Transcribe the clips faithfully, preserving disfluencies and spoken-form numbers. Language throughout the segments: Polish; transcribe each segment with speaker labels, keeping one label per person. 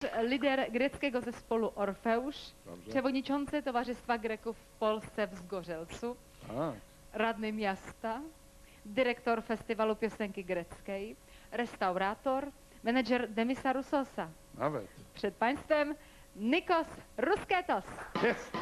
Speaker 1: Lider greckiego zespołu Orfeusz,
Speaker 2: Dobrze.
Speaker 1: przewodniczący Towarzystwa Greków w Polsce w Zgorzelcu,
Speaker 2: A,
Speaker 1: radny miasta, dyrektor Festiwalu Piosenki Greckiej, restaurator, menedżer Demisa Roussosa.
Speaker 2: nawet.
Speaker 1: Przed Państwem Nikos Rusketos.
Speaker 2: Jest!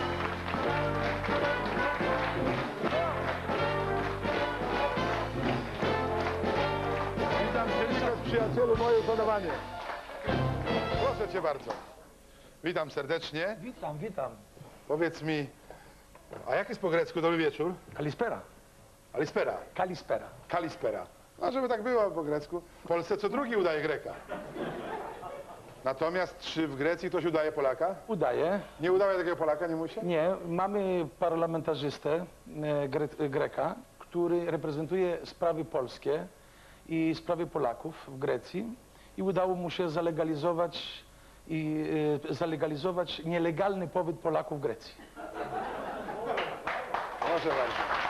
Speaker 2: Witam Cię, Nikos, przyjacielu, moje uszanowanie. Proszę Cię bardzo. Witam serdecznie.
Speaker 3: Witam, witam.
Speaker 2: Powiedz mi, a jak jest po grecku dobry wieczór?
Speaker 3: Kalispera.
Speaker 2: Alispera.
Speaker 3: Kalispera.
Speaker 2: Kalispera. No, żeby tak było po grecku. W Polsce co drugi udaje Greka. Natomiast czy w Grecji ktoś udaje Polaka?
Speaker 3: Udaje.
Speaker 2: Nie udaje takiego Polaka, nie musi?
Speaker 3: Nie, mamy parlamentarzystę e, gre, Greka, który reprezentuje sprawy polskie i sprawy Polaków w Grecji i udało mu się zalegalizować i e, zalegalizować nielegalny pobyt Polaków w Grecji.
Speaker 2: Proszę bardzo.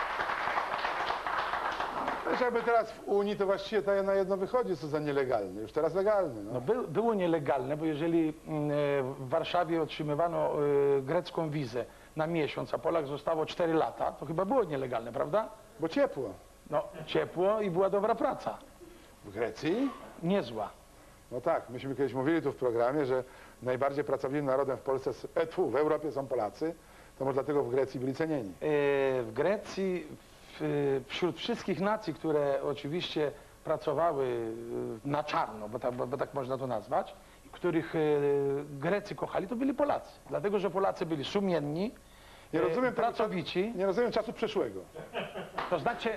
Speaker 2: Wiesz, jakby teraz w Unii to właściwie to na jedno wychodzi, co za nielegalny. Już teraz legalny. No.
Speaker 3: No, by, było nielegalne, bo jeżeli mm, e, w Warszawie otrzymywano e, grecką wizę na miesiąc, a Polak zostało cztery lata, to chyba było nielegalne, prawda?
Speaker 2: Bo ciepło.
Speaker 3: No, ciepło i była dobra praca.
Speaker 2: W Grecji?
Speaker 3: Niezła.
Speaker 2: No tak, myśmy kiedyś mówili tu w programie, że najbardziej pracowitym narodem w Polsce, e, tfu, w Europie są Polacy, to może dlatego w Grecji byli cenieni.
Speaker 3: E, w Grecji, w, wśród wszystkich nacji, które oczywiście pracowały e, na czarno, bo tak, bo, bo tak można to nazwać, których e, Grecy kochali, to byli Polacy. Dlatego, że Polacy byli sumienni,
Speaker 2: Nie
Speaker 3: e,
Speaker 2: rozumiem tego
Speaker 3: pracowici,
Speaker 2: czasu, nie rozumiem czasu przeszłego.
Speaker 3: to znaczy...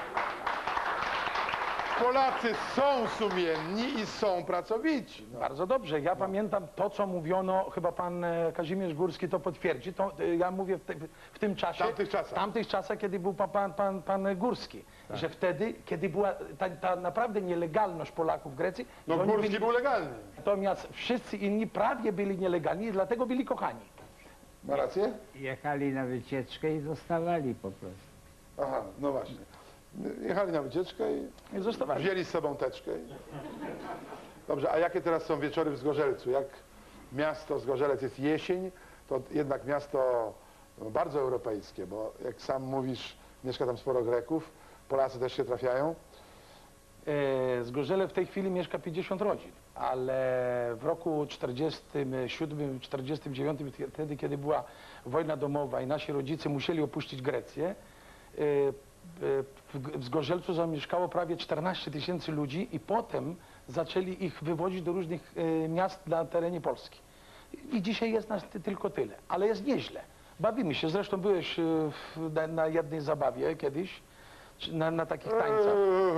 Speaker 2: Polacy są sumienni i są pracowici. No.
Speaker 3: Bardzo dobrze. Ja pamiętam to, co mówiono, chyba pan e, Kazimierz Górski to potwierdzi, to, e, ja mówię w, te, w tym czasie,
Speaker 2: W tamtych czasach.
Speaker 3: w tamtych czasach, kiedy był pan, pan, pan, pan Górski,
Speaker 2: Tak.
Speaker 3: że wtedy, kiedy była ta, ta naprawdę nielegalność Polaków w Grecji,
Speaker 2: No
Speaker 3: że oni
Speaker 2: Górski
Speaker 3: byli,
Speaker 2: był legalny.
Speaker 3: natomiast wszyscy inni prawie byli nielegalni i dlatego byli kochani.
Speaker 2: Ma rację?
Speaker 4: Jechali na wycieczkę i zostawali po prostu.
Speaker 2: Aha, no właśnie. Jechali na wycieczkę i
Speaker 3: I zostawali.
Speaker 2: wzięli z sobą teczkę. I... Dobrze, a jakie teraz są wieczory w Zgorzelcu? Jak miasto Zgorzelec jest jesień, to jednak miasto no, bardzo europejskie, bo jak sam mówisz, mieszka tam sporo Greków, Polacy też się trafiają.
Speaker 3: E, Zgorzele w tej chwili mieszka pięćdziesiąt rodzin, ale w roku czterdziestym siódmym czterdziestym dziewiątym, wtedy kiedy była wojna domowa i nasi rodzice musieli opuścić Grecję, e, w Zgorzelcu zamieszkało prawie czternaście tysięcy ludzi i potem zaczęli ich wywozić do różnych e, miast na terenie Polski. I dzisiaj jest nas ty, tylko tyle, ale jest nieźle. Bawimy się, zresztą byłeś e, w, na, na jednej zabawie kiedyś, czy na, na takich tańcach.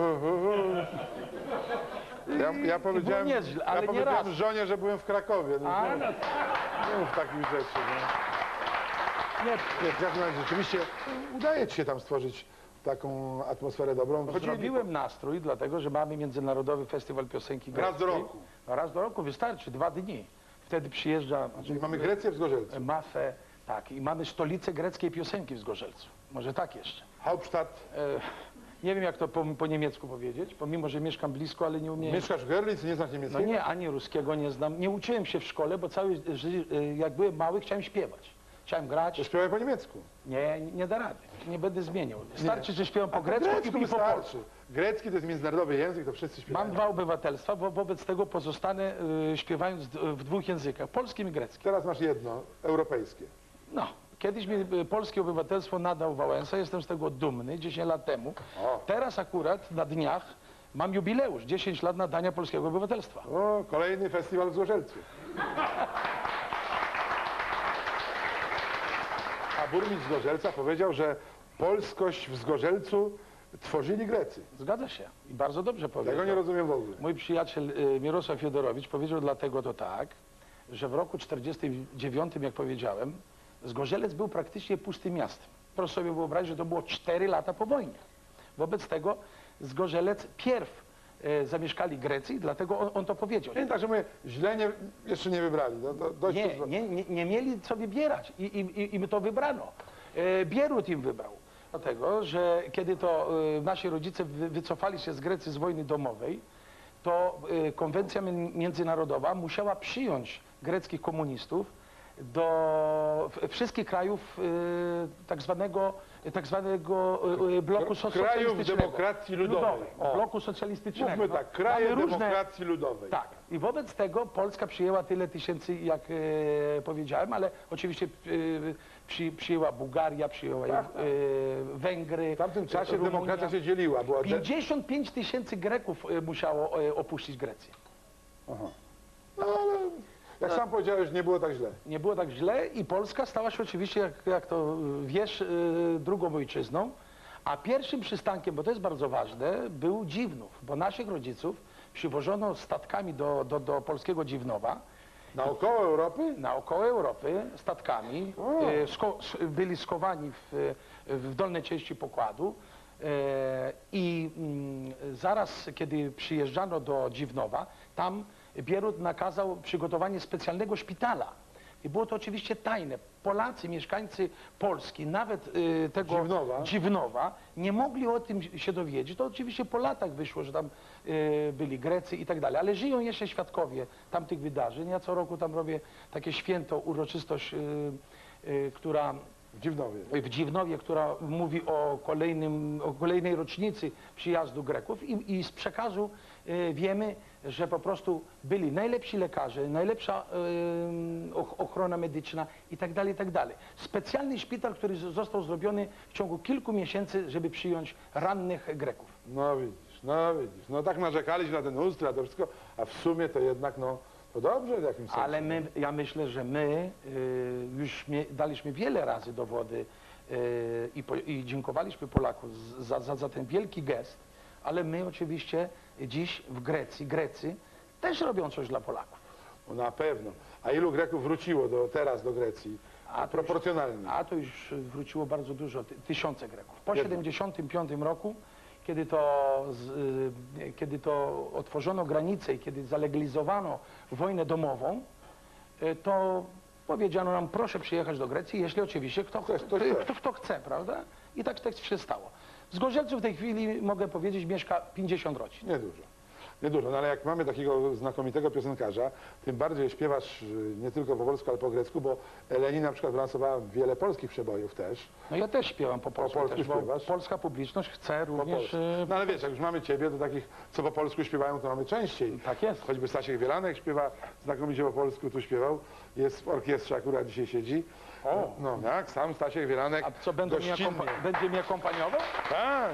Speaker 2: Ja, ja powiedziałem,
Speaker 3: nieźle, ale
Speaker 2: ja
Speaker 3: nie
Speaker 2: powiedziałem
Speaker 3: raz.
Speaker 2: żonie, że byłem w Krakowie. No,
Speaker 3: A,
Speaker 2: nie,
Speaker 3: no,
Speaker 2: nie mów takich rzeczy. No.
Speaker 3: nie,
Speaker 2: Nie, w każdym razie rzeczywiście udaje ci się tam stworzyć taką atmosferę dobrą. Chodzili
Speaker 3: zrobiłem nastrój, dlatego że mamy Międzynarodowy Festiwal Piosenki Greckiej.
Speaker 2: Raz do roku.
Speaker 3: No, raz do roku wystarczy, dwa dni. Wtedy przyjeżdża
Speaker 2: Czyli mamy Grecję w Zgorzelcu.
Speaker 3: Mafę, tak, i mamy stolicę greckiej piosenki w Zgorzelcu. Może tak jeszcze.
Speaker 2: Hauptstadt.
Speaker 3: E, nie wiem, jak to po, po niemiecku powiedzieć, pomimo, że mieszkam blisko, ale nie umiem.
Speaker 2: Mieszkasz w Görlitz, nie znasz
Speaker 3: No
Speaker 2: niemieckiego?
Speaker 3: nie, ani ruskiego nie znam. Nie uczyłem się w szkole, bo cały, ży- jak byłem mały, chciałem śpiewać. Chciałem grać.
Speaker 2: To śpiewaj po niemiecku.
Speaker 3: Nie, nie da rady. Nie będę zmieniał. Starczy, że śpiewam po
Speaker 2: A
Speaker 3: grecku i, i po polsku.
Speaker 2: wystarczy. Grecki to jest międzynarodowy język, to wszyscy śpiewają.
Speaker 3: Mam dwa obywatelstwa, wo wobec tego pozostanę y, śpiewając d- w dwóch językach, polskim i greckim.
Speaker 2: Teraz masz jedno, europejskie.
Speaker 3: No, kiedyś mi y, polskie obywatelstwo nadał Wałęsa, jestem z tego dumny, dziesięć lat temu.
Speaker 2: O.
Speaker 3: Teraz akurat na dniach mam jubileusz, dziesięć lat nadania polskiego obywatelstwa.
Speaker 2: O, kolejny festiwal w Zgorzelcu. A burmistrz Zgorzelca powiedział, że polskość w Zgorzelcu tworzyli Grecy.
Speaker 3: Zgadza się i bardzo dobrze
Speaker 2: Tego
Speaker 3: powiedział.
Speaker 2: nie rozumiem w ogóle.
Speaker 3: Mój przyjaciel y, Mirosław Fiodorowicz powiedział dlatego to tak, że w roku czterdziestym dziewiątym, jak powiedziałem, Zgorzelec był praktycznie pustym miastem. Proszę sobie wyobrazić, że to było cztery lata po wojnie. Wobec tego Zgorzelec pierw e, zamieszkali Grecy, dlatego on, on to powiedział.
Speaker 2: Nie, także mówię, źle nie, jeszcze nie wybrali. No, to dość
Speaker 3: Nie,
Speaker 2: już-
Speaker 3: nie, nie, nie mieli co wybierać i, i, i, im to wybrano. E, Bierut im wybrał. Dlatego, że kiedy to e, nasi rodzice wy, wycofali się z Grecji z wojny domowej, to y, konwencja mi- międzynarodowa musiała przyjąć greckich komunistów do w- wszystkich krajów y, tak zwanego, tak zwanego y, y, bloku so-
Speaker 2: Krajów
Speaker 3: socjalistycznego.
Speaker 2: demokracji ludowej. O.
Speaker 3: Bloku socjalistycznego.
Speaker 2: Mówmy
Speaker 3: No,
Speaker 2: tak, kraje
Speaker 3: mamy różne-
Speaker 2: demokracji ludowej.
Speaker 3: Tak. I wobec tego Polska przyjęła tyle tysięcy, jak e, powiedziałem, ale oczywiście e, przy, przyjęła Bułgaria, przyjęła
Speaker 2: Tak,
Speaker 3: e,
Speaker 2: tak.
Speaker 3: Węgry.
Speaker 2: W tamtym czasie
Speaker 3: Rumunia.
Speaker 2: demokracja się dzieliła. Była de...
Speaker 3: pięćdziesiąt pięć tysięcy Greków e, musiało e, opuścić Grecję.
Speaker 2: Aha. No ale jak sam powiedziałeś, nie było tak źle.
Speaker 3: Nie było tak źle i Polska stała się oczywiście, jak, jak to wiesz, e, drugą ojczyzną, a pierwszym przystankiem, bo to jest bardzo ważne, był Dziwnów, bo naszych rodziców przywożono statkami do, do, do polskiego Dziwnowa,
Speaker 2: Naokoło Europy?
Speaker 3: naokoło Europy statkami,
Speaker 2: O.
Speaker 3: e, sko, s- byli skowani w, w dolnej części pokładu e, i mm, zaraz kiedy przyjeżdżano do Dziwnowa, tam Bierut nakazał przygotowanie specjalnego szpitala. I było to oczywiście tajne. Polacy, mieszkańcy Polski, nawet e, tego
Speaker 2: Dziwnowa.
Speaker 3: Dziwnowa, nie mogli o tym się dowiedzieć. To oczywiście po latach wyszło, że tam e, byli Grecy i tak dalej, ale żyją jeszcze świadkowie tamtych wydarzeń. Ja co roku tam robię takie święto, uroczystość, e, e, która
Speaker 2: W Dziwnowie.
Speaker 3: w Dziwnowie, która mówi o, kolejnym, o kolejnej rocznicy przyjazdu Greków i, i z przekazu e, wiemy, że po prostu byli najlepsi lekarze, najlepsza e, och- ochrona medyczna i tak dalej, i tak dalej. Specjalny szpital, który z- został zrobiony w ciągu kilku miesięcy, żeby przyjąć rannych Greków.
Speaker 2: No widzisz, no widzisz. No tak narzekaliśmy na ten ustrój, na to wszystko, a w sumie to jednak, no, to dobrze w jakimś sensie.
Speaker 3: Ale my, ja myślę, że my y, już mie, daliśmy wiele razy dowody y, i, po, i dziękowaliśmy Polaków z- za, za, za ten wielki gest, ale my oczywiście dziś w Grecji, Grecy też robią coś dla Polaków.
Speaker 2: No, na pewno. A ilu Greków wróciło do, teraz do Grecji?
Speaker 3: A to
Speaker 2: Proporcjonalnie.
Speaker 3: A to już wróciło bardzo dużo, ty, tysiące Greków. Po
Speaker 2: Jednak.
Speaker 3: siedemdziesiątym piątym roku, kiedy to, z, y, kiedy to otworzono granice i kiedy zalegalizowano wojnę domową, y, to powiedziano nam, proszę przyjechać do Grecji, jeśli oczywiście kto,
Speaker 2: Ktoś- ktoś
Speaker 3: kto,
Speaker 2: chce.
Speaker 3: kto, kto chce, prawda? I tak, tak się stało. Z Gorzelców w tej chwili, mogę powiedzieć, mieszka pięćdziesiąt rodzin.
Speaker 2: Niedużo. Niedużo, no ale jak mamy takiego znakomitego piosenkarza, tym bardziej śpiewasz y, nie tylko po polsku, ale po grecku, bo Eleni na przykład wylansowała wiele polskich przebojów też.
Speaker 3: No ja też śpiewam po polsku,
Speaker 2: polsku
Speaker 3: też, bo
Speaker 2: śpiewasz?
Speaker 3: polska publiczność chce
Speaker 2: Po
Speaker 3: również...
Speaker 2: polsku.
Speaker 3: y,
Speaker 2: No ale wiesz, jak już mamy ciebie, to takich, co po polsku śpiewają, to mamy częściej.
Speaker 3: Tak jest.
Speaker 2: Choćby Stasiek Wielanek śpiewa znakomicie po polsku, tu śpiewał. Jest w orkiestrze, akurat dzisiaj siedzi.
Speaker 3: O.
Speaker 2: No jak, sam Stasiek Wielanek.
Speaker 3: A co, będą mi
Speaker 2: gościnnie.
Speaker 3: akompa- będzie mi akompaniował?
Speaker 2: Tak.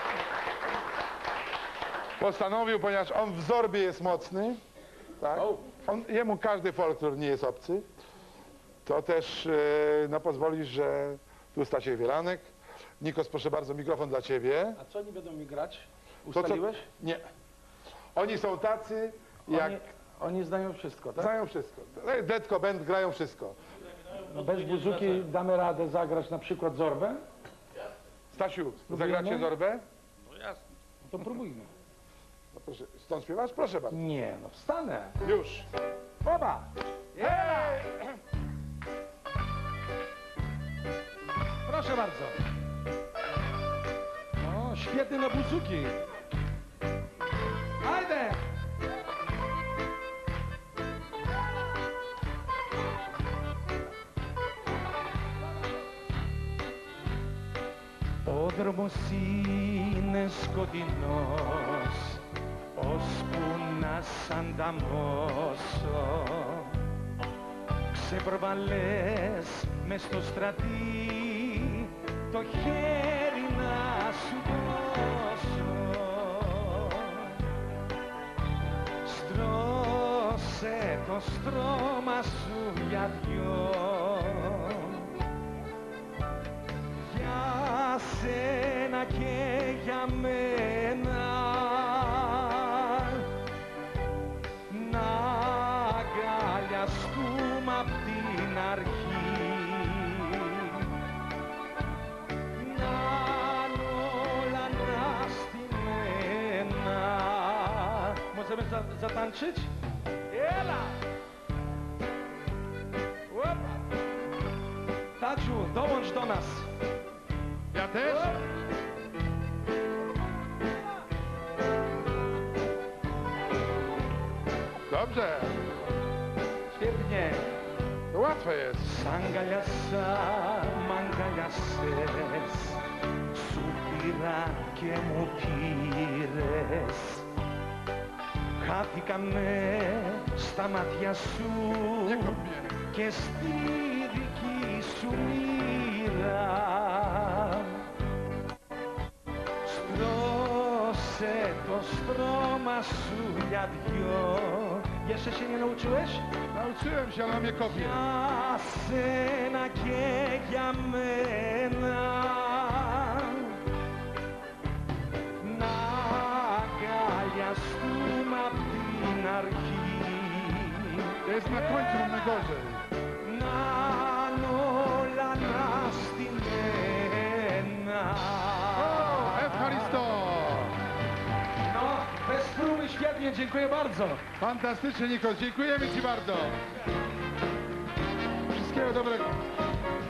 Speaker 2: Postanowił, ponieważ on w Zorbie jest mocny, tak?
Speaker 3: O.
Speaker 2: On, jemu każdy folklor nie jest obcy, to też e, no, pozwolisz, że tu Stasiek Wielanek. Nikos, proszę bardzo, mikrofon dla ciebie.
Speaker 3: A co oni będą mi grać?
Speaker 2: To, co-
Speaker 3: Ustaliłeś?
Speaker 2: Nie. Oni są tacy, jak
Speaker 3: Oni, oni znają wszystko, tak?
Speaker 2: znają wszystko. Detko, band grają wszystko.
Speaker 3: No bez buzuki damy radę zagrać na przykład Zorbę?
Speaker 2: Stasiu,
Speaker 3: Spróbujemy?
Speaker 2: zagracie Zorbę?
Speaker 3: To próbujmy.
Speaker 2: No, proszę, stąd śpiewasz? Proszę bardzo.
Speaker 3: Nie, no wstanę.
Speaker 2: Już.
Speaker 3: Oba!
Speaker 2: Hej!
Speaker 3: Proszę bardzo. O, świetny na buzuki. Ajde! Ο δρόμος είναι σκοτεινός, ώσπου να σ' ανταμώσω. Ξεπροβαλές μες στο στρατή, το χέρι να σου δώσω. Στρώσε το στρώμα σου για δυο, για σένα και για μένα, να αγκαλιαστούμε απ' την αρχή, να είναι όλα αναστημένα. Możemy za- zatańczyć? Ela! Opa! Taciu, dołącz do nas.
Speaker 2: Ja też? dobrze.
Speaker 3: Świetnie.
Speaker 2: To łatwe jest.
Speaker 3: Σ' αγκαλιάσα, μ' αγκαλιάσες, σου πήρα και μου πήρες. Χάθηκαμε στα μάτια σου
Speaker 2: Nie kop mnie.
Speaker 3: και στη δική σου μοίρα. Στρώσε το στρώμα σου για δυο. Jeszcze się nie nauczyłeś?
Speaker 2: Nauczyłem się, ale on mnie kopie.
Speaker 3: Για σένα και για μένα να αγκαλιαστούμε απ' την αρχή
Speaker 2: To jest na końcu, mam najgorzej.
Speaker 3: να είναι όλα αναστημένα.
Speaker 2: O, Evcharisto!
Speaker 3: No, bez próby świetnie, dziękuję bardzo.
Speaker 2: Fantastycznie, Nikos. Dziękujemy Ci bardzo. Wszystkiego dobrego.